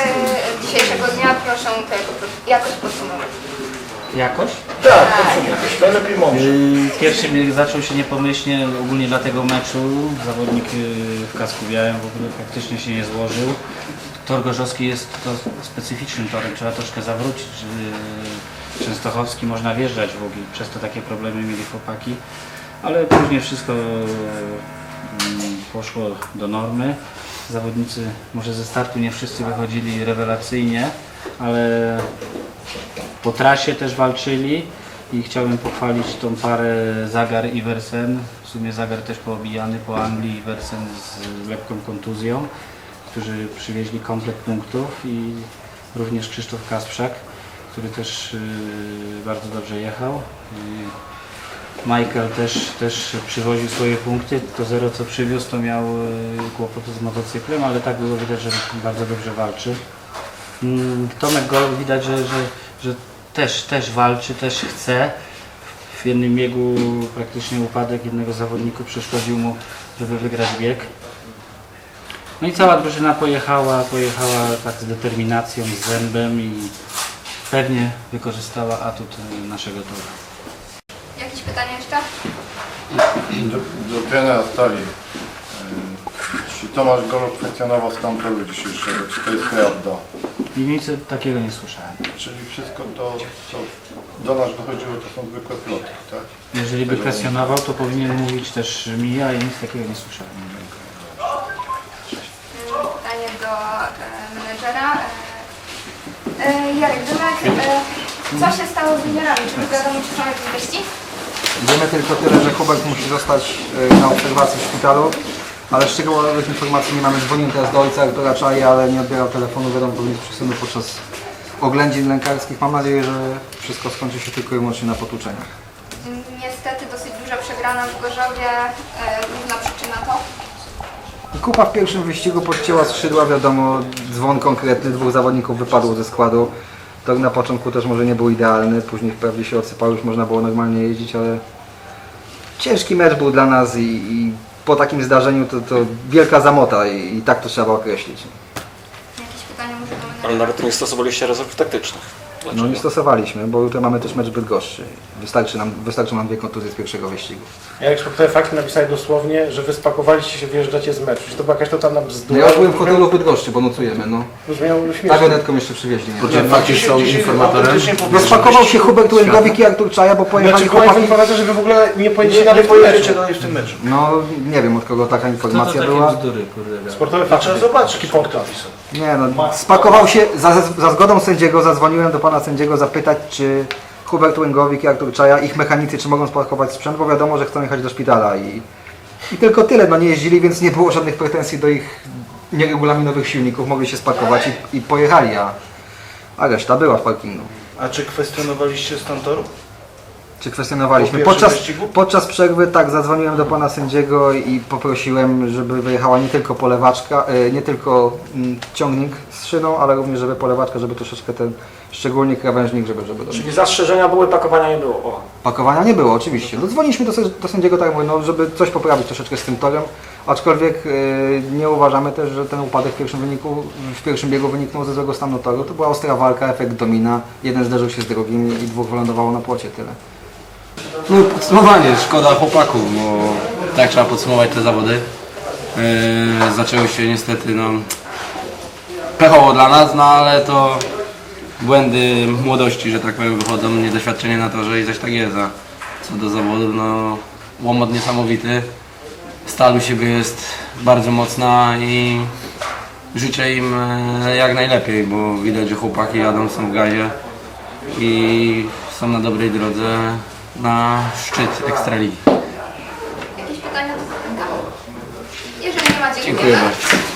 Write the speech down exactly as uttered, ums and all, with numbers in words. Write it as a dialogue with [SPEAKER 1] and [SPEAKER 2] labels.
[SPEAKER 1] dzisiejszego dnia proszę tutaj jakoś podsumować.
[SPEAKER 2] Jakoś?
[SPEAKER 3] Tak, jakoś to lepiej mądrze.
[SPEAKER 2] Pierwszy bieg zaczął się niepomyślnie, ogólnie dla tego meczu. Zawodnik w kasku białym w ogóle praktycznie się nie złożył. Tor Gorzowski jest to specyficznym torem, trzeba troszkę zawrócić. Częstochowski można wjeżdżać w ogóle, przez to takie problemy mieli chłopaki. Ale później wszystko poszło do normy. Zawodnicy może ze startu nie wszyscy wychodzili rewelacyjnie, ale po trasie też walczyli i chciałbym pochwalić tą parę Zagar i Wersen. W sumie Zagar też poobijany po Anglii i Wersen z lekką kontuzją, którzy przywieźli komplet punktów, i również Krzysztof Kasprzak, który też bardzo dobrze jechał. Michael też, też przywoził swoje punkty. To zero co przywiózł, to miał kłopoty z motocyklem, ale tak było widać, że bardzo dobrze walczy. Tomek Gol widać, że, że, że też, też walczy, też chce. W jednym biegu praktycznie upadek jednego zawodnika przeszkodził mu, żeby wygrać bieg. No i cała drużyna pojechała, pojechała tak z determinacją, z zębem i pewnie wykorzystała atut naszego toru.
[SPEAKER 1] Jakieś pytania jeszcze?
[SPEAKER 3] Do, do trenera stali. Czy Tomasz Golo kwestionował stan toru dzisiejszego? Czy to jest prawda?
[SPEAKER 2] I nic takiego nie słyszałem.
[SPEAKER 3] Czyli wszystko to, co do nas dochodziło, to są zwykłe ploty, tak?
[SPEAKER 2] Jeżeli by kwestionował, to powinien mówić też mi, a ja nic takiego nie słyszałem.
[SPEAKER 1] Pytanie do e, menedżera. E, e, Jarek Dymek, e, co się stało z wymiarami? Czy już wiadomo, czy są jakieś wieści?
[SPEAKER 4] Wiemy tylko tyle, że Hubert musi zostać na obserwacji w szpitalu, ale szczegółowych informacji nie mamy. Dzwonił teraz do ojca Artura Czai, ale nie odbierał telefonu, wiadomo, powinien być przy synu podczas oględzin lękarskich. Mam nadzieję, że wszystko skończy się tylko i wyłącznie na potłuczeniach.
[SPEAKER 1] Niestety dosyć duża przegrana w Gorzowie, e, główna przyczyna to?
[SPEAKER 4] Kupa w pierwszym wyścigu podcięła skrzydła, wiadomo, dzwon konkretny, dwóch zawodników wypadło ze składu. Tor na początku też może nie był idealny, później wprawdzie się odsypał, już można było normalnie jeździć, ale ciężki mecz był dla nas i, i po takim zdarzeniu to, to wielka zamota i, i tak to trzeba określić.
[SPEAKER 1] Jakieś pytania może do menedżera?
[SPEAKER 5] Ale nawet nie stosowaliście rezerw taktycznych. Dlaczego?
[SPEAKER 4] No nie stosowaliśmy, bo jutro mamy też mecz Bydgoszczy. Wystarczy nam, wystarczy nam dwie kontuzje z pierwszego wyścigu.
[SPEAKER 6] Ja jak szukałem fakty, napisali dosłownie, że wy spakowaliście się, wyjeżdżacie z meczu. Czy to była jakaś totalna
[SPEAKER 4] No
[SPEAKER 6] bzdura?
[SPEAKER 4] ja już byłem w hotelu w Bydgoszczy, bo nocujemy, no.
[SPEAKER 6] Brzmiało śmiesznie.
[SPEAKER 4] Tagionetką jeszcze przywieźli. Nie?
[SPEAKER 6] Nie, fakty są informatorem.
[SPEAKER 4] No spakował się Hubert Łęgowik i Artur Czaja, bo pojechali
[SPEAKER 6] Znaczy, była
[SPEAKER 4] chłopaki...
[SPEAKER 6] informacja, że wy w ogóle nie pojedziecie
[SPEAKER 3] Nie,
[SPEAKER 6] nawet
[SPEAKER 3] nie
[SPEAKER 6] w tym
[SPEAKER 3] pojedziecie
[SPEAKER 6] meczu.
[SPEAKER 3] dalej w tym meczu.
[SPEAKER 4] No nie wiem, od kogo taka informacja była.
[SPEAKER 2] bzdury, kurde.
[SPEAKER 6] Sportowe fakty.
[SPEAKER 3] Trzeba zobaczyć,
[SPEAKER 6] Taki punkt.
[SPEAKER 4] Nie no, spakował się, za, za zgodą sędziego zadzwoniłem do pana sędziego zapytać, czy Hubert Łęgowik i Artur Czaja, ich mechanicy, czy mogą spakować sprzęt, bo wiadomo, że chcą jechać do szpitala i, i tylko tyle, no nie jeździli, więc nie było żadnych pretensji do ich nieregulaminowych silników, mogli się spakować i, i pojechali, a, a reszta była w parkingu.
[SPEAKER 3] A czy kwestionowaliście stan toru?
[SPEAKER 4] Czy kwestionowaliśmy?
[SPEAKER 3] Po pierwszym
[SPEAKER 4] Podczas,
[SPEAKER 3] wyścigu?
[SPEAKER 4] podczas przerwy tak, zadzwoniłem do pana sędziego i poprosiłem, żeby wyjechała nie tylko polewaczka, e, nie tylko mm, ciągnik z szyną, ale również żeby polewaczka, żeby troszeczkę ten, szczególnie krawężnik, żeby, żeby
[SPEAKER 6] Czyli zastrzeżenia były, pakowania nie było. O.
[SPEAKER 4] pakowania nie było, oczywiście. No, dzwoniliśmy do, sę- do sędziego, tak jak mówię, no, żeby coś poprawić troszeczkę z tym torem, aczkolwiek e, nie uważamy też, że ten upadek w pierwszym, wyniku, w pierwszym biegu wyniknął ze złego stanu toru. To była ostra walka, efekt domina, jeden zderzył się z drugim i dwóch wylądowało na płocie, tyle.
[SPEAKER 7] No podsumowanie, szkoda chłopaków, bo tak trzeba podsumować te zawody. Yy, zaczęły się niestety no, pechowo dla nas, no ale to błędy młodości, że tak powiem, wychodzą, niedoświadczenie na torze i coś tak jest. A co do zawodu, no łomot niesamowity, stal u siebie jest bardzo mocna i życzę im e, jak najlepiej, bo widać, że chłopaki jadą, są w gazie i są na dobrej drodze na szczyt Ekstraligi.
[SPEAKER 1] Jakieś pytania do Zapęka? Jeżeli nie ma, dziękuję.
[SPEAKER 7] Dziękuję bardzo.